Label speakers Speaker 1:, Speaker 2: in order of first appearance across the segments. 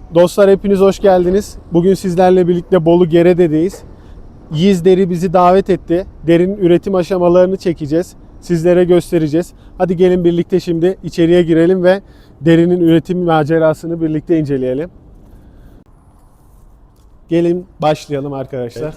Speaker 1: Dostlar hepiniz hoş geldiniz. Bugün sizlerle birlikte Bolu Gerede'deyiz. Yiğiz Deri bizi davet etti. Derinin üretim aşamalarını çekeceğiz. Sizlere göstereceğiz. Hadi gelin birlikte şimdi içeriye girelim ve derinin üretim macerasını birlikte inceleyelim. Gelin başlayalım arkadaşlar.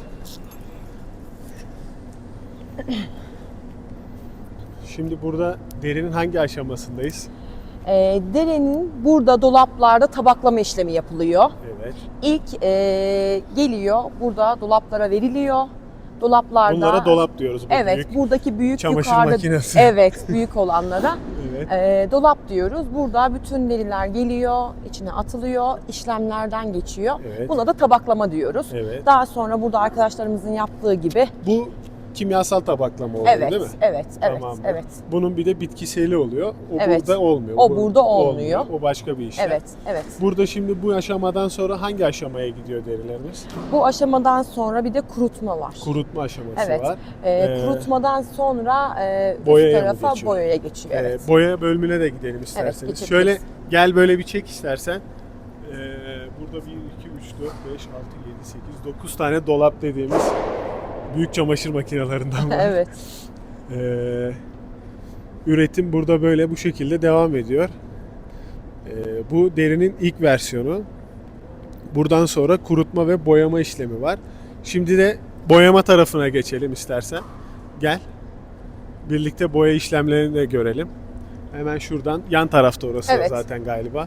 Speaker 1: Şimdi burada derinin hangi aşamasındayız?
Speaker 2: Derinin burada dolaplarda tabaklama işlemi yapılıyor.
Speaker 1: Evet.
Speaker 2: İlk geliyor, burada dolaplara veriliyor. Dolaplarda.
Speaker 1: Bunlara dolap diyoruz. Bu
Speaker 2: Evet,
Speaker 1: büyük
Speaker 2: buradaki büyük
Speaker 1: çamaşır
Speaker 2: yukarıda.
Speaker 1: makinesi.
Speaker 2: Evet, büyük olanlara.
Speaker 1: Evet.
Speaker 2: Dolap diyoruz. Burada bütün deriler geliyor, içine atılıyor, işlemlerden geçiyor.
Speaker 1: Evet.
Speaker 2: Buna da tabaklama diyoruz.
Speaker 1: Evet.
Speaker 2: Daha sonra burada arkadaşlarımızın yaptığı gibi.
Speaker 1: Bu kimyasal tabaklama oluyor
Speaker 2: Evet,
Speaker 1: değil mi?
Speaker 2: evet, evet,
Speaker 1: Tamamdır.
Speaker 2: evet.
Speaker 1: Bunun bir de bitkiseli oluyor. O
Speaker 2: Evet.
Speaker 1: burada olmuyor.
Speaker 2: O burada olmuyor.
Speaker 1: O başka bir işlem.
Speaker 2: Evet, evet.
Speaker 1: Burada şimdi bu aşamadan sonra hangi aşamaya gidiyor derilerimiz?
Speaker 2: Bu aşamadan sonra bir de kurutma var.
Speaker 1: Kurutma aşaması
Speaker 2: Evet.
Speaker 1: var.
Speaker 2: Kurutmadan sonra
Speaker 1: boyaya
Speaker 2: üst
Speaker 1: mı
Speaker 2: tarafa
Speaker 1: geçiyor?
Speaker 2: boyaya geçiyor. Evet.
Speaker 1: Boya bölümüne de gidelim isterseniz.
Speaker 2: geçebiliriz.
Speaker 1: Şöyle gel böyle bir çek istersen. Burada 1, 2, 3, 4, 5, 6, 7, 8, 9 tane dolap dediğimiz büyük çamaşır makinelerinden var.
Speaker 2: Evet.
Speaker 1: Üretim burada böyle bu şekilde devam ediyor. Bu derinin ilk versiyonu. Buradan sonra kurutma ve boyama işlemi var. Şimdi de boyama tarafına geçelim istersen. Gel. Birlikte boya işlemlerini de görelim. Hemen şuradan yan tarafta orası
Speaker 2: Evet.
Speaker 1: zaten galiba.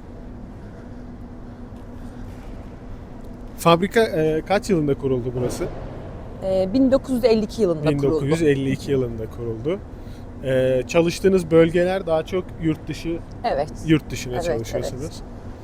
Speaker 1: Fabrika kaç yılında kuruldu burası?
Speaker 2: 1952 yılında kuruldu.
Speaker 1: 1952 yılında kuruldu. Çalıştığınız bölgeler daha çok yurt dışına
Speaker 2: Evet,
Speaker 1: çalışıyorsunuz.
Speaker 2: evet.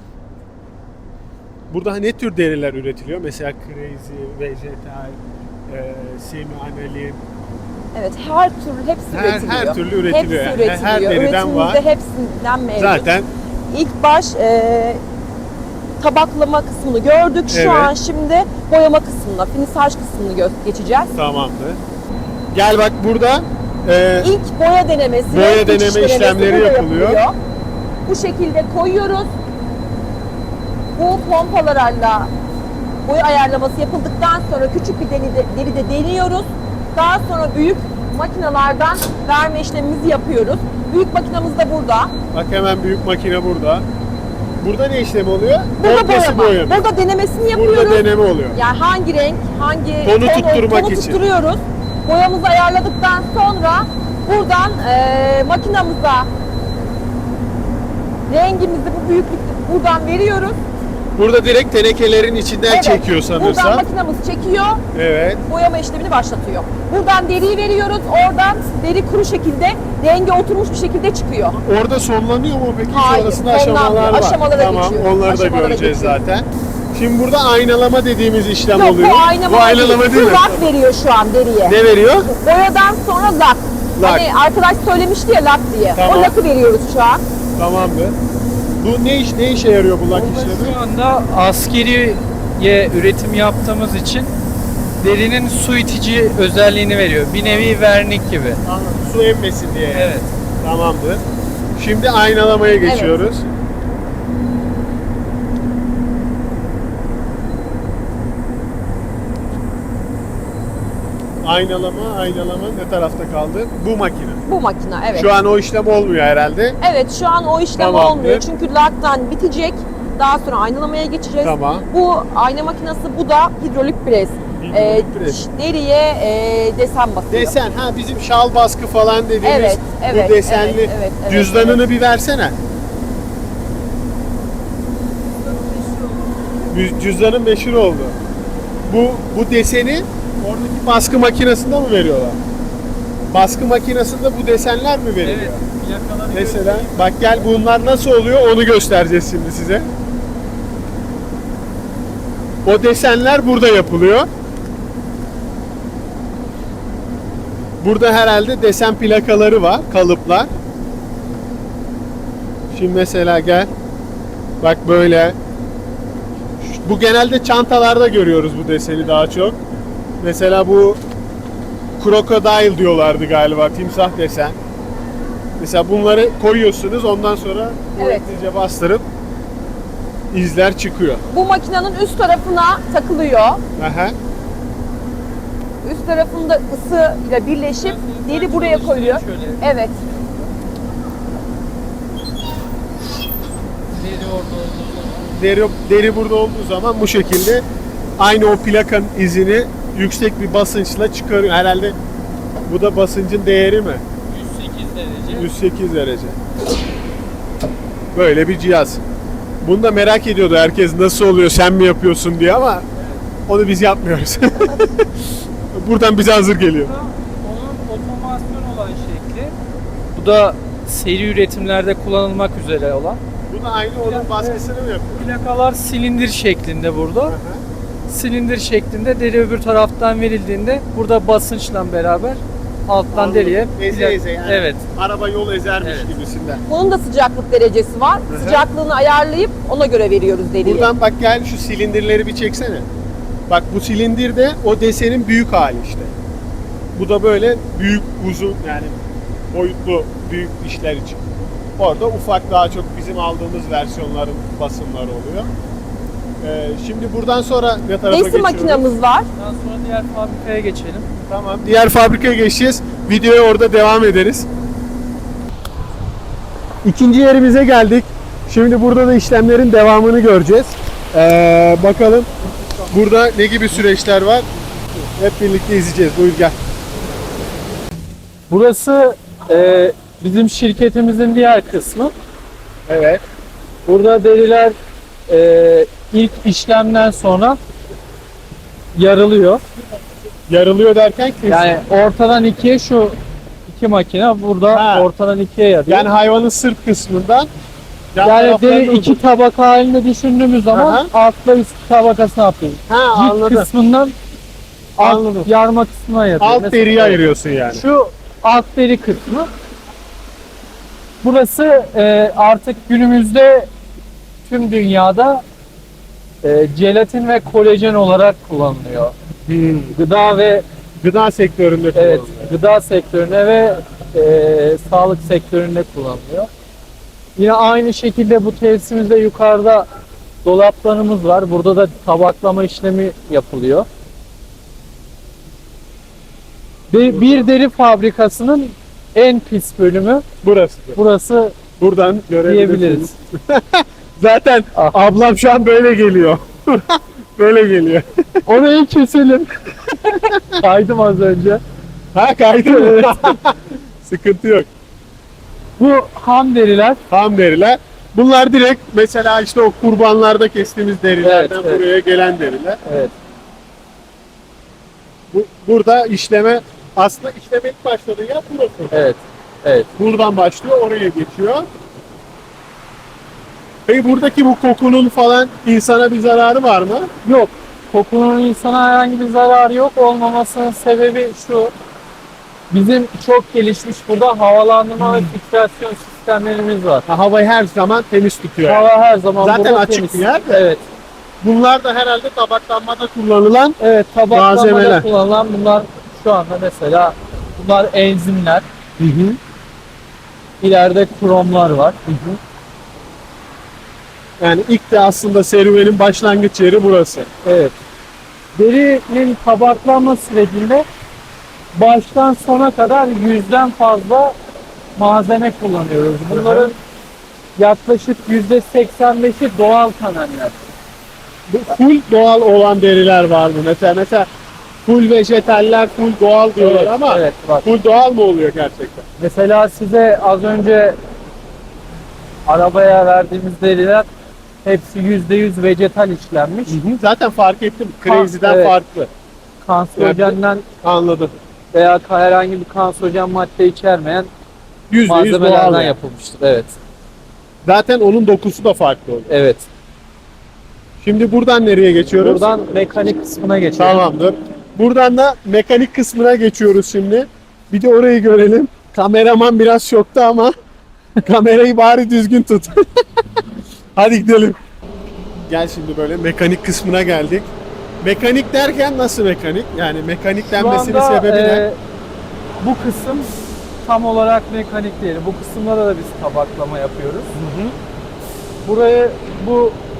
Speaker 1: Burada ne tür deriler üretiliyor? Mesela crazy, vegetal, semi anilin.
Speaker 2: Evet, her türlü hepsi üretiliyor.
Speaker 1: Her türlü üretiliyor.
Speaker 2: Hepsi üretiliyor.
Speaker 1: Her deriden var.
Speaker 2: Üretimimizde hepsinden mevcut.
Speaker 1: Zaten
Speaker 2: İlk baş tabaklama kısmını gördük. Şu
Speaker 1: Evet.
Speaker 2: an şimdi boyama kısmına, finisaj kısmını geçeceğiz.
Speaker 1: tamamdır. Gel bak burada
Speaker 2: İlk boya denemesi,
Speaker 1: Boya
Speaker 2: ve
Speaker 1: deneme
Speaker 2: geçiş denemesi
Speaker 1: işlemleri
Speaker 2: burada
Speaker 1: yapılıyor.
Speaker 2: Bu şekilde koyuyoruz. Bu pompalarla boya ayarlaması yapıldıktan sonra küçük bir deride deniyoruz. Daha sonra büyük makinalardan verme işlemimizi yapıyoruz. Büyük makinamız da burada.
Speaker 1: bak hemen büyük makine burada. Burada ne işlemi oluyor?
Speaker 2: Burada
Speaker 1: Komplesi boyama.
Speaker 2: Burada denemesini yapıyoruz.
Speaker 1: Burada deneme oluyor.
Speaker 2: Yani hangi renk, hangi
Speaker 1: Tonu tutturmak
Speaker 2: tonu
Speaker 1: için.
Speaker 2: tutturuyoruz. Boyamızı ayarladıktan sonra buradan makinamıza rengimizi bu büyüklükte buradan veriyoruz.
Speaker 1: Burada direkt tenekelerin içinden çekiyor
Speaker 2: Buradan
Speaker 1: sanırsam.
Speaker 2: makinamız çekiyor.
Speaker 1: Evet.
Speaker 2: Boyama işlemini başlatıyor. Buradan deriyi veriyoruz. Oradan deri kuru şekilde, rengi oturmuş bir şekilde çıkıyor.
Speaker 1: Orada sonlanıyor mu peki?
Speaker 2: Hayır,
Speaker 1: Sonrasında aşamalar
Speaker 2: sonlanmıyor.
Speaker 1: var.
Speaker 2: Aşamalara
Speaker 1: tamam,
Speaker 2: geçiyor.
Speaker 1: onları da
Speaker 2: Aşamalara
Speaker 1: göreceğiz
Speaker 2: geçiyor.
Speaker 1: zaten. Şimdi burada aynalama dediğimiz işlem
Speaker 2: Yok,
Speaker 1: oluyor.
Speaker 2: bu aynalama
Speaker 1: değil
Speaker 2: değil.
Speaker 1: mi?
Speaker 2: Bu lak veriyor şu an deriye.
Speaker 1: Ne veriyor?
Speaker 2: Boyadan sonra lak.
Speaker 1: Lak.
Speaker 2: Hani arkadaş söylemişti ya lak diye.
Speaker 1: Tamam.
Speaker 2: O lakı veriyoruz şu an.
Speaker 1: Tamamdır. Bu ne işe yarıyor bu lak işlemi?
Speaker 3: Şu anda askeriye üretim yaptığımız için derinin su itici özelliğini veriyor. Bir nevi vernik gibi.
Speaker 1: Anladım. Su emmesin diye.
Speaker 3: Evet.
Speaker 1: Tamamdır. Şimdi aynalamaya geçiyoruz. Aynalama ne tarafta kaldı? Bu makine.
Speaker 2: Bu makine evet.
Speaker 1: Şu an o işlem olmuyor herhalde.
Speaker 2: Evet şu an o işlem
Speaker 1: Tamamdır.
Speaker 2: olmuyor. Çünkü laktan bitecek. Daha sonra aynalamaya geçeceğiz.
Speaker 1: Tamam.
Speaker 2: Bu ayna makinesi, bu da hidrolik pres.
Speaker 1: Hidrolik pres.
Speaker 2: Deriye desen basıyor.
Speaker 1: Desen, bizim şal baskı falan dediğimiz
Speaker 2: Evet, evet,
Speaker 1: bu desenli.
Speaker 2: evet, evet, evet,
Speaker 1: Cüzdanını bir versene. Cüzdanın meşhur oldu. Bu deseni oradaki baskı makinesinde mi veriyorlar? Baskı makinesinde bu desenler mi veriliyor?
Speaker 3: Evet. Plakaları
Speaker 1: Mesela bak gel bunlar nasıl oluyor onu göstereceğiz şimdi size. O desenler burada yapılıyor. Burada herhalde desen plakaları var, kalıplar. Şimdi mesela gel. Bak böyle. Bu genelde çantalarda görüyoruz bu deseni daha çok. Mesela bu crocodile diyorlardı galiba, timsah desen. Mesela bunları koyuyorsunuz, ondan sonra kuvvetlice bastırıp izler çıkıyor.
Speaker 2: Bu makinenin üst tarafına takılıyor.
Speaker 1: Aha.
Speaker 2: Üst tarafında ısı ile birleşip deri buraya koyuyor.
Speaker 3: Şöyle.
Speaker 2: Evet.
Speaker 3: Deri orada olduğu zaman.
Speaker 1: Deri burada olduğu zaman bu şekilde aynı o plakanın izini yüksek bir basınçla çıkarıyor. Herhalde bu da basıncın değeri mi?
Speaker 3: 108 derece.
Speaker 1: 108 derece. Böyle bir cihaz. Bunu da merak ediyordu herkes, nasıl oluyor, sen mi yapıyorsun diye, ama onu biz yapmıyoruz. Buradan bize hazır geliyor.
Speaker 3: Onun otomasyon olan şekli. Bu da seri üretimlerde kullanılmak üzere olan.
Speaker 1: Bu da aynı onun baskısını mı yapıyor?
Speaker 3: Plakalar silindir şeklinde burada.
Speaker 1: Aha.
Speaker 3: Silindir şeklinde deri öbür taraftan verildiğinde burada basınçla beraber alttan
Speaker 1: Anladım.
Speaker 3: deriye
Speaker 1: Eze eze yani.
Speaker 3: Evet.
Speaker 1: Araba yol ezermiş
Speaker 3: Evet.
Speaker 1: gibisinden.
Speaker 2: Bunun da sıcaklık derecesi var.
Speaker 1: Hı hı.
Speaker 2: Sıcaklığını ayarlayıp ona göre veriyoruz deriyi.
Speaker 1: Buradan bak, gel şu silindirleri bir çeksene. Bak, bu silindir de o desenin büyük hali işte. Bu da böyle büyük, uzun, yani boyutlu büyük işler için. Orada ufak, daha çok bizim aldığımız versiyonların basımları oluyor. Şimdi buradan sonra ne tarafa
Speaker 2: Desi
Speaker 1: geçiyoruz?
Speaker 2: makinamız var.
Speaker 3: Daha sonra diğer fabrikaya geçelim.
Speaker 1: Tamam. Diğer fabrikaya geçeceğiz. Videoya orada devam ederiz. İkinci yerimize geldik. Şimdi burada da işlemlerin devamını göreceğiz. Bakalım burada ne gibi süreçler var. Hep birlikte izleyeceğiz. Buyur gel.
Speaker 3: Burası bizim şirketimizin diğer kısmı.
Speaker 1: Evet.
Speaker 3: Burada deriler ilk işlemden sonra yarılıyor.
Speaker 1: Yarılıyor derken kesin.
Speaker 3: Yani ortadan ikiye şu iki makine burada
Speaker 1: Ha.
Speaker 3: ortadan ikiye yarıyor.
Speaker 1: Yani hayvanın sırt kısmından yan
Speaker 3: Yani
Speaker 1: taraflarını
Speaker 3: deri iki tabaka halinde düşündüğümüz zaman
Speaker 1: Aha.
Speaker 3: altla üst tabakasını yapıyoruz.
Speaker 1: Ha,
Speaker 3: Cilt
Speaker 1: anladım.
Speaker 3: kısmından
Speaker 1: Anladım.
Speaker 3: alt yarma kısmına yapıyoruz.
Speaker 1: Alt
Speaker 3: Mesela
Speaker 1: deriyi ayırıyorsun yani.
Speaker 3: Şu alt deri kısmı. Burası artık günümüzde tüm dünyada jelatin ve kolajen olarak kullanılıyor. Gıda ve
Speaker 1: Gıda sektöründe
Speaker 3: evet
Speaker 1: kullanılıyor.
Speaker 3: gıda sektöründe ve sağlık sektöründe kullanılıyor. Yine aynı şekilde bu tesisimizde yukarıda dolaplarımız var. Burada da tabaklama işlemi yapılıyor. Bir deri fabrikasının en pis bölümü
Speaker 1: Burası.
Speaker 3: burası
Speaker 1: Buradan görebilirsiniz.
Speaker 3: diyebiliriz.
Speaker 1: Zaten
Speaker 3: Ah.
Speaker 1: ablam şu an böyle geliyor. Böyle geliyor.
Speaker 3: Orayı keselim. Kaydım az önce.
Speaker 1: Ha, kaydı mı? Sıkıntı yok.
Speaker 3: Bu ham deriler.
Speaker 1: Ham deriler. Bunlar direkt mesela işte o kurbanlarda kestiğimiz derilerden
Speaker 3: Evet, evet.
Speaker 1: buraya gelen deriler.
Speaker 3: Evet.
Speaker 1: Burada işleme, aslında işleme ilk başladığı yer burası.
Speaker 3: Evet. Evet.
Speaker 1: Buradan başlıyor, oraya geçiyor. Peki buradaki bu kokunun falan insana bir zararı var mı?
Speaker 3: Yok. Kokunun insana herhangi bir zararı yok. Olmamasının sebebi şu. Bizim çok gelişmiş burada havalandırma ve filtrasyon sistemlerimiz var.
Speaker 1: Ha, havayı her zaman temiz tutuyor. yani.
Speaker 3: Hava her zaman
Speaker 1: Zaten
Speaker 3: burada
Speaker 1: açık
Speaker 3: temiz.
Speaker 1: bir yer de.
Speaker 3: Evet.
Speaker 1: Bunlar da herhalde tabaklanmada kullanılan.
Speaker 3: Evet, tabaklamada
Speaker 1: Malzemeler.
Speaker 3: kullanılan bunlar şu anda mesela bunlar enzimler. İleride kromlar var.
Speaker 1: Yani ilk de aslında serüvenin başlangıç yeri burası.
Speaker 3: Evet. Derinin tabaklanma sürecinde baştan sona kadar 100'den fazla malzeme kullanıyoruz. Bunların yaklaşık %85'i doğal kanaller.
Speaker 1: Bu full doğal olan deriler var mı? Mesela full vejetaller, full doğal diyorlar ama
Speaker 3: evet, bak.
Speaker 1: full doğal mı oluyor gerçekten?
Speaker 3: Mesela size az önce arabaya verdiğimiz deriler hepsi %100 vejetal işlenmiş.
Speaker 1: Zaten fark ettim. Crazy'den
Speaker 3: evet.
Speaker 1: farklı.
Speaker 3: Kanserojenden
Speaker 1: Anladım.
Speaker 3: veya herhangi bir kanserojen madde içermeyen
Speaker 1: %100 doğal.
Speaker 3: malzemelerden
Speaker 1: yani.
Speaker 3: yapılmıştır. Evet.
Speaker 1: Zaten onun dokusu da farklı oluyor.
Speaker 3: Evet.
Speaker 1: Şimdi buradan nereye geçiyoruz?
Speaker 3: Buradan mekanik kısmına geçelim.
Speaker 1: Tamamdır. Buradan da mekanik kısmına geçiyoruz şimdi. Bir de orayı görelim. Kameraman biraz şokta ama kamerayı bari düzgün tut. Hadi gidelim. Gel şimdi böyle mekanik kısmına geldik. Mekanik derken nasıl mekanik? Yani mekanik
Speaker 3: Şu
Speaker 1: denmesinin
Speaker 3: anda,
Speaker 1: sebebi ne?
Speaker 3: bu kısım tam olarak mekanik değil. Bu kısımlara da biz tabaklama yapıyoruz. Buraya bu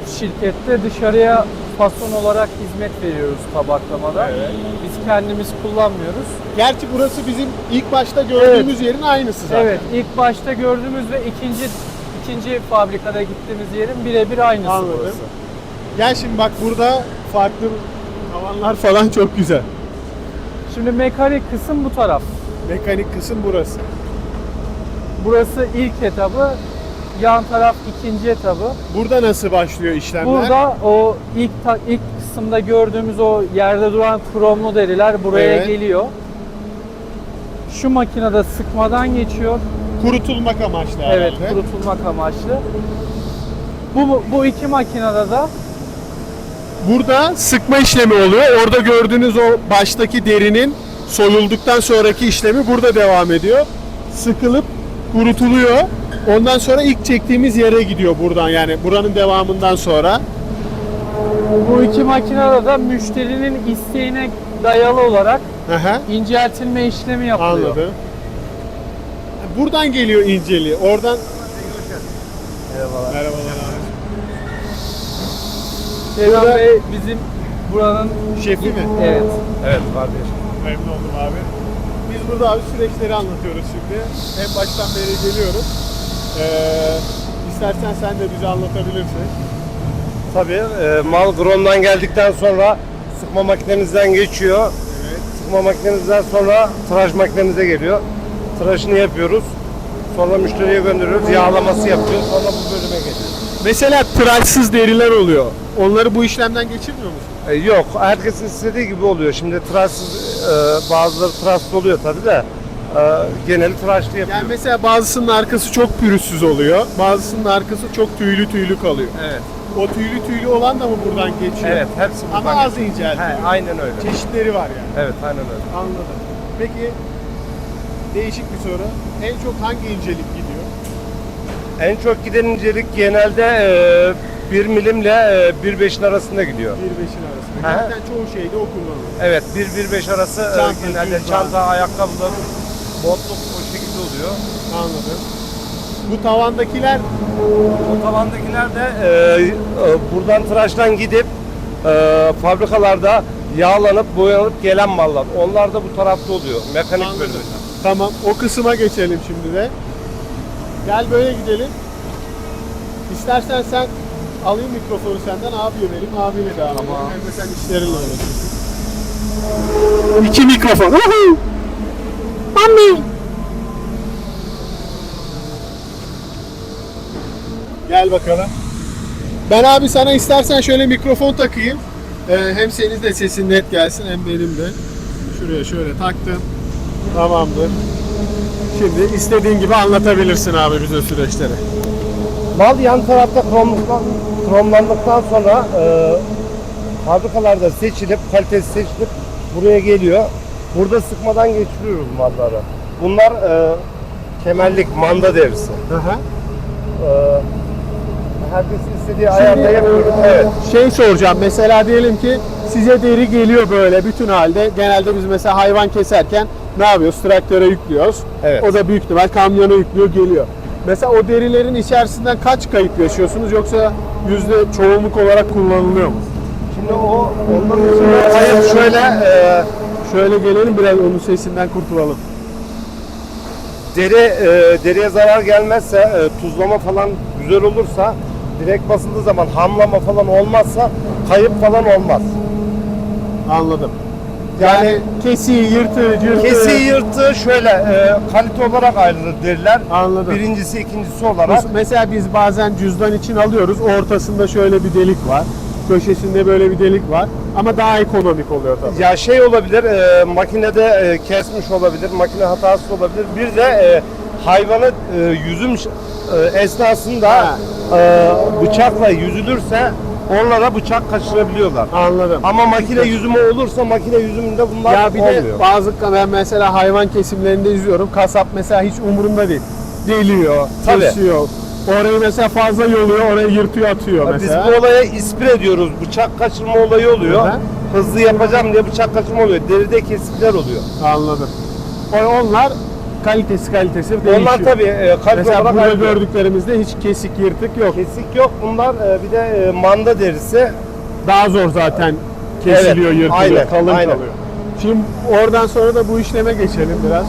Speaker 3: şirkette dışarıya fason olarak hizmet veriyoruz tabaklamada.
Speaker 1: Evet.
Speaker 3: Biz kendimiz kullanmıyoruz.
Speaker 1: Gerçi burası bizim ilk başta gördüğümüz yerin aynısı zaten.
Speaker 3: Evet, ilk başta gördüğümüz ve ikinci fabrikada gittiğimiz yerin birebir aynısı
Speaker 1: Anladım.
Speaker 3: burası.
Speaker 1: Gel şimdi bak, burada farklı tavanlar falan çok güzel.
Speaker 3: Şimdi mekanik kısım bu taraf.
Speaker 1: Mekanik kısım burası.
Speaker 3: Burası ilk etabı, yan taraf ikinci etabı.
Speaker 1: Burada nasıl başlıyor işlemler?
Speaker 3: Burada o ilk kısımda gördüğümüz o yerde duran kromlu deriler buraya
Speaker 1: Evet.
Speaker 3: geliyor. Şu makinede sıkmadan geçiyor.
Speaker 1: Kurutulmak amaçlı
Speaker 3: Evet,
Speaker 1: herhalde.
Speaker 3: kurutulmak amaçlı. Bu iki makinede de
Speaker 1: Burada sıkma işlemi oluyor. Orada gördüğünüz o baştaki derinin soyulduktan sonraki işlemi burada devam ediyor. Sıkılıp kurutuluyor. Ondan sonra ilk çektiğimiz yere gidiyor buradan, yani buranın devamından sonra.
Speaker 3: bu iki makinede de müşterinin isteğine dayalı olarak
Speaker 1: Aha,
Speaker 3: inceltilme işlemi yapılıyor.
Speaker 1: anladım. Buradan geliyor inceliği. Oradan...
Speaker 3: Merhabalar.
Speaker 1: Merhabalar abi.
Speaker 3: Seyran Bey bizim buranın
Speaker 1: Şefi mi?
Speaker 3: evet.
Speaker 4: Evet kardeş.
Speaker 1: Memnun oldum abi. Biz burada abi süreçleri anlatıyoruz şimdi. En baştan beri geliyoruz. İstersen sen de bize anlatabilirsin.
Speaker 4: Tabii mal gromdan geldikten sonra sıkma makinemizden geçiyor.
Speaker 1: Evet.
Speaker 4: Sıkma makinemizden sonra tıraş makinemize geliyor. Tıraşını yapıyoruz. Sonra müşteriye gönderiyoruz. Yağlaması yapıyoruz. Sonra bu bölüme geliyor.
Speaker 1: Mesela tıraşsız deriler oluyor. Onları bu işlemden geçirmiyor musun?
Speaker 4: Yok. Herkesin istediği gibi oluyor. Şimdi tıraşsız bazıları tıraşsız oluyor tabii de geneli tıraşlı yapıyoruz.
Speaker 1: Yani mesela bazısının arkası çok pürüzsüz oluyor. Bazısının arkası çok tüylü kalıyor.
Speaker 4: Evet.
Speaker 1: O tüylü olan da mı buradan geçiyor?
Speaker 4: Evet. Hepsi
Speaker 1: Ama
Speaker 4: buradan
Speaker 1: az
Speaker 4: geçiyor.
Speaker 1: inceltiyor.
Speaker 4: He, aynen öyle.
Speaker 1: Çeşitleri var yani.
Speaker 4: Evet. Aynen öyle.
Speaker 1: Anladım. Peki değişik bir soru. En çok hangi incelik gidiyor?
Speaker 4: En çok giden incelik genelde 1 milimle 1.5'in arasında gidiyor.
Speaker 1: 1.5'in arasında.
Speaker 4: Aha.
Speaker 1: Zaten çoğu şeyde o kullanılıyor.
Speaker 4: Evet, 1-1.5 arası
Speaker 1: Çanta,
Speaker 4: genelde
Speaker 1: cüzdan.
Speaker 4: çanta, ayakkabılar, botluk o şekilde oluyor.
Speaker 1: Anladım. Bu tavandakiler
Speaker 4: O tavandakiler de buradan tıraştan gidip fabrikalarda yağlanıp boyanıp gelen mallar. Onlar da bu tarafta oluyor. Mekanik
Speaker 1: Anladım.
Speaker 4: bölümünde.
Speaker 1: Tamam, o kısma geçelim şimdi de. Gel böyle gidelim. İstersen sen alayım mikrofonu senden, abiye vereyim, abiyle devam edelim.
Speaker 4: Tamam.
Speaker 1: Hem de sen işlerinle uğraşırsın. 2 mikrofon. Mami. Gel bakalım. Ben abi sana istersen şöyle mikrofon takayım. Hem senin de sesin net gelsin hem benim de. Şuraya şöyle taktım. Tamamdır. Şimdi istediğin gibi anlatabilirsin abi bize süreçleri.
Speaker 4: Mal yan tarafta kromlandıktan sonra fabrikalarda seçilip, kalitesi seçilip buraya geliyor. Burada sıkmadan geçiriyoruz malları. Bunlar kemerlik, manda derisi.
Speaker 1: Aha.
Speaker 4: Herkesin istediği ayarda yapıyoruz. Evet.
Speaker 1: Şey soracağım, mesela diyelim ki size deri geliyor böyle bütün halde. Genelde biz mesela hayvan keserken ne yapıyoruz? Traktöre yüklüyoruz.
Speaker 4: Evet.
Speaker 1: O da büyük ihtimal kamyona yüklüyor, geliyor. Mesela o derilerin içerisinden kaç kayıp yaşıyorsunuz, yoksa çoğunluk olarak kullanılıyor mu?
Speaker 4: Şimdi ondan sonra hayır
Speaker 1: Şöyle gelelim, biraz onun sesinden kurtulalım.
Speaker 4: deriye zarar gelmezse, tuzlama falan güzel olursa, direkt basıldığı zaman hamlama falan olmazsa kayıp falan olmaz.
Speaker 1: Anladım. Yani kesiği, yırtığı,
Speaker 4: Kesiği yırtığı şöyle kalite olarak ayrılır deriler.
Speaker 1: Anladım.
Speaker 4: Birincisi, ikincisi olarak.
Speaker 1: Mesela biz bazen cüzdan için alıyoruz. Ortasında şöyle bir delik var. Köşesinde böyle bir delik var. Ama daha ekonomik oluyor tabii.
Speaker 4: Ya şey olabilir, makinede kesmiş olabilir, makine hatası olabilir. Bir de hayvanı yüzüm esnasında
Speaker 1: Ha.
Speaker 4: bıçakla yüzülürse onlara bıçak kaçırabiliyorlar.
Speaker 1: Anladım.
Speaker 4: Ama makine yüzümü olursa makine yüzümünde bunlar
Speaker 1: Ya bir de
Speaker 4: olmuyor.
Speaker 1: ben mesela hayvan kesimlerinde izliyorum. Kasap mesela hiç umurunda değil. Deliyor,
Speaker 4: Tabii.
Speaker 1: kesiyor. Orayı mesela fazla yoluyor, orayı yırtıyor, atıyor
Speaker 4: Biz
Speaker 1: mesela.
Speaker 4: bu olaya ispire ediyoruz. Bıçak kaçırma olayı oluyor.
Speaker 1: Hı hı.
Speaker 4: Hızlı yapacağım diye bıçak kaçırma oluyor. Deride kesikler oluyor.
Speaker 1: Anladım. Onlar kalitesi değişiyor.
Speaker 4: Onlar tabii kalite
Speaker 1: Mesela
Speaker 4: olarak
Speaker 1: burada
Speaker 4: ayrılıyor.
Speaker 1: gördüklerimizde hiç kesik yırtık yok.
Speaker 4: Kesik yok. Bunlar bir de manda derisi.
Speaker 1: Daha zor zaten kesiliyor,
Speaker 4: Evet,
Speaker 1: yırtılıyor,
Speaker 4: aynen,
Speaker 1: kalın
Speaker 4: aynen.
Speaker 1: kalıyor. Şimdi oradan sonra da bu işleme geçelim biraz.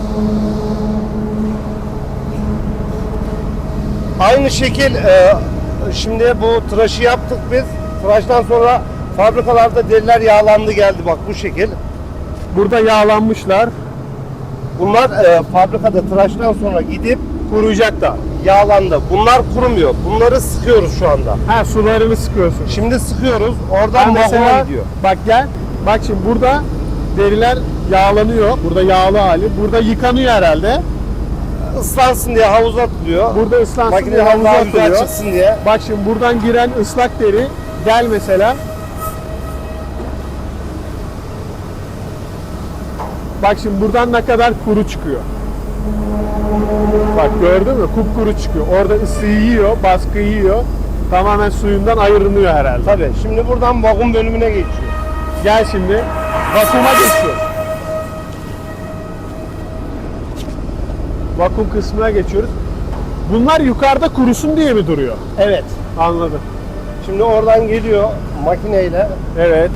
Speaker 4: Aynı şekil şimdi bu tıraşı yaptık biz. Tıraştan sonra fabrikalarda deriler yağlandı geldi bak bu şekil.
Speaker 1: Burada yağlanmışlar,
Speaker 4: Bunlar fabrikada tıraştan sonra gidip
Speaker 1: kuruyacak da.
Speaker 4: yağlandı. Bunlar kurumuyor. Bunları sıkıyoruz şu anda.
Speaker 1: Ha, sularını sıkıyorsun.
Speaker 4: Şimdi sıkıyoruz.
Speaker 1: Ha,
Speaker 4: Oradan
Speaker 1: mesela
Speaker 4: vagona gidiyor.
Speaker 1: bak gel. Bak şimdi burada deriler yağlanıyor. Burada yağlı hali. Burada yıkanıyor herhalde.
Speaker 4: Islansın diye havuza atılıyor.
Speaker 1: Burada ıslansın diye
Speaker 4: Makineden
Speaker 1: havuza
Speaker 4: daha güzel
Speaker 1: atılıyor.
Speaker 4: çıksın diye.
Speaker 1: Bak şimdi buradan giren ıslak deri gel mesela. Bak şimdi buradan ne kadar kuru çıkıyor. Bak gördün mü? Kupkuru çıkıyor. Orada ısıyı yiyor, baskıyı yiyor. Tamamen suyundan ayrılıyor herhalde.
Speaker 4: Tabii. Şimdi buradan vagon bölümüne geçiyor.
Speaker 1: Gel şimdi vakuma geçiyoruz. Vakum kısmına geçiyoruz. Bunlar yukarıda kurusun diye mi duruyor?
Speaker 4: Evet.
Speaker 1: Anladım.
Speaker 4: Şimdi oradan geliyor makineyle.
Speaker 1: Evet.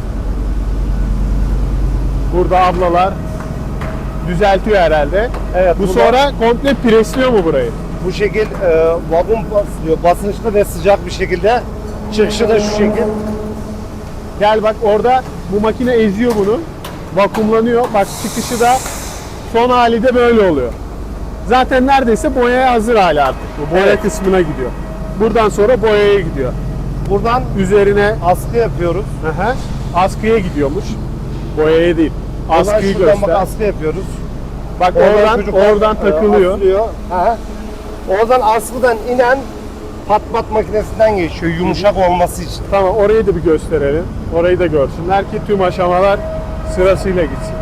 Speaker 1: Burada ablalar düzeltiyor herhalde.
Speaker 4: Evet.
Speaker 1: Bu
Speaker 4: burada
Speaker 1: sonra komple presliyor mu burayı?
Speaker 4: bu şekil vagon basılıyor. Basınçlı ve sıcak bir şekilde. Çıkışı da şu şekil.
Speaker 1: Gel bak orada bu makine eziyor bunu. Vakumlanıyor. Bak çıkışı da son hali de böyle oluyor. Zaten neredeyse boyaya hazır hali artık. Bu boya
Speaker 4: Evet.
Speaker 1: kısmına gidiyor. Buradan sonra boyaya gidiyor.
Speaker 4: Buradan
Speaker 1: Üzerine
Speaker 4: askı yapıyoruz.
Speaker 1: askıya gidiyormuş. Boyaya değil.
Speaker 4: Buradan
Speaker 1: Askıyı
Speaker 4: şuradan
Speaker 1: göster.
Speaker 4: bak askı yapıyoruz.
Speaker 1: Bak
Speaker 4: çocuklar,
Speaker 1: oradan takılıyor.
Speaker 4: asılıyor. Ha. Oradan askıdan inen pat makinesinden geçiyor yumuşak olması için.
Speaker 1: Tamam, orayı da bir gösterelim. Orayı da görsünler ki tüm aşamalar sırasıyla gitsin.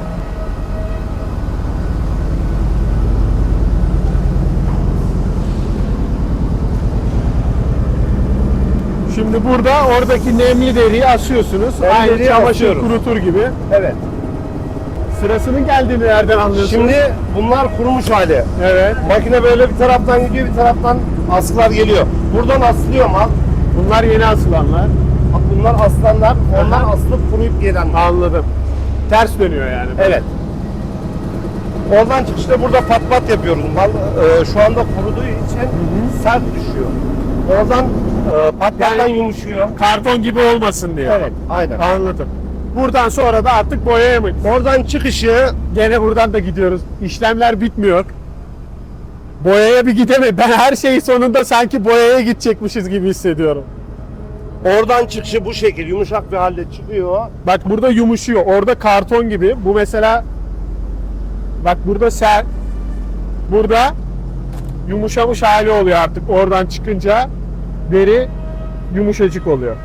Speaker 1: Şimdi burada oradaki nemli deriyi asıyorsunuz.
Speaker 4: Nemli
Speaker 1: Aynı
Speaker 4: deriyi
Speaker 1: çamaşır
Speaker 4: asıyoruz.
Speaker 1: kurutur gibi.
Speaker 4: Evet.
Speaker 1: Sırasının geldiğini nereden anlıyorsunuz?
Speaker 4: Şimdi bunlar kurumuş hali.
Speaker 1: Evet.
Speaker 4: Makine böyle bir taraftan gidiyor, bir taraftan askılar geliyor. Buradan asılıyor mal.
Speaker 1: Bunlar yeni asılanlar.
Speaker 4: Bunlar aslanlar, onlar
Speaker 1: Aha.
Speaker 4: asılıp kuruyup gelenler.
Speaker 1: Anladım. Ters dönüyor yani.
Speaker 4: Evet. Oradan çıkışta burada pat yapıyoruz. Mal şu anda kuruduğu için sert düşüyor. Oradan patlardan
Speaker 1: Yani-
Speaker 4: yumuşuyor.
Speaker 1: Karton gibi olmasın diye.
Speaker 4: Evet, aynen.
Speaker 1: Anladım. Buradan sonra da artık boyaya mı?
Speaker 4: Oradan çıkışı
Speaker 1: Gene buradan da gidiyoruz. İşlemler bitmiyor. Boyaya bir gideme. Ben her şeyi sonunda sanki boyaya gidecekmişiz gibi hissediyorum.
Speaker 4: oradan çıkışı bu şekil yumuşak bir halde çıkıyor.
Speaker 1: Bak burada yumuşuyor. Orada karton gibi. Bu mesela bak burada burada yumuşamış hali oluyor artık. Oradan çıkınca deri yumuşacık oluyor.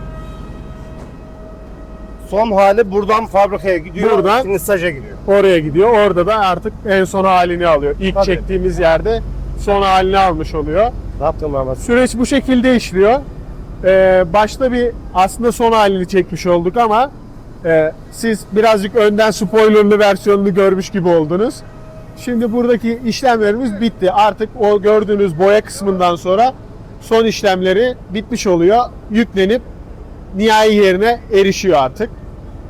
Speaker 4: Son hali buradan fabrikaya gidiyor.
Speaker 1: Buradan-
Speaker 4: finisaja gidiyor.
Speaker 1: Oraya gidiyor. Orada da artık en son halini alıyor. İlk
Speaker 4: Tabii.
Speaker 1: çektiğimiz yerde son halini almış oluyor.
Speaker 4: Ne yaptın Mehmet?
Speaker 1: Süreç bu şekilde işliyor. Başta bir aslında son halini çekmiş olduk ama siz birazcık önden spoilerlı versiyonunu görmüş gibi oldunuz. Şimdi buradaki işlemlerimiz bitti. Artık o gördüğünüz boya kısmından sonra son işlemleri bitmiş oluyor. Yüklenip nihai yerine erişiyor artık.